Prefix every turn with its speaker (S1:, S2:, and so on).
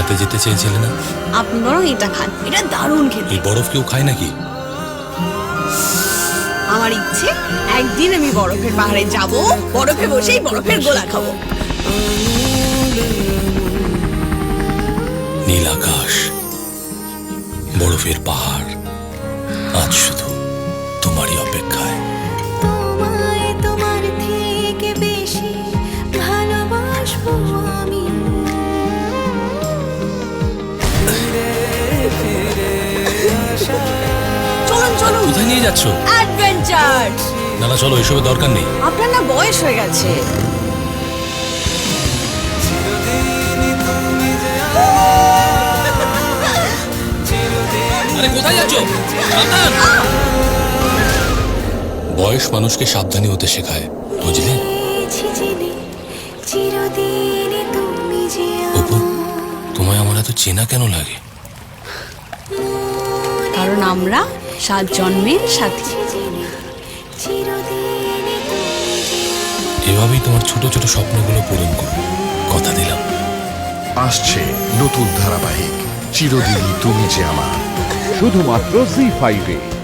S1: মেলাতে যেতে চেয়েছিলে না?
S2: আপনি বরং এটা খান, এটা দারুণ খেতে।
S1: এই বরফ কেউ খায় নাকি?
S2: আমার ইচ্ছে একদিন আমি বরফের পাহাড়ে যাব, বরফে বসেই বরফের গোলা খাবো।
S1: নীল আকাশ, বরফের পাহাড়, আজ শুধু তোমারই অপেক্ষায়।
S3: তোমায় তোমার থেকে বেশি ভালোবাসবো আমি।
S2: চলুন চলুন,
S1: কোথায় নিয়ে যাচ্ছ?
S2: অ্যাডভেঞ্চার।
S1: না না, চলো, এসবের দরকার নেই।
S2: আপনার না বয়স হয়ে গেছে।
S1: আরে কোথায় যাচ্ছ? সাবধান! বয়স মানুষকে সাবধানী হতে শেখায়, বুঝলে?
S3: চিরদিনই তুমি যে
S1: অপু, তোমায় আমার এত চেনা কেন লাগে?
S2: কারণ আমরা 7 জন্মের সাথী।
S3: চিরদিনই তুমি যে
S1: এভাবেই তোমার ছোট ছোট স্বপ্নগুলো পূরণ করো, কথা দিলাম।
S4: আসছে নতুন ধারাবাহিক চিরদিনই তুমি যে আমার,
S5: শুধুমাত্র জি5-এ।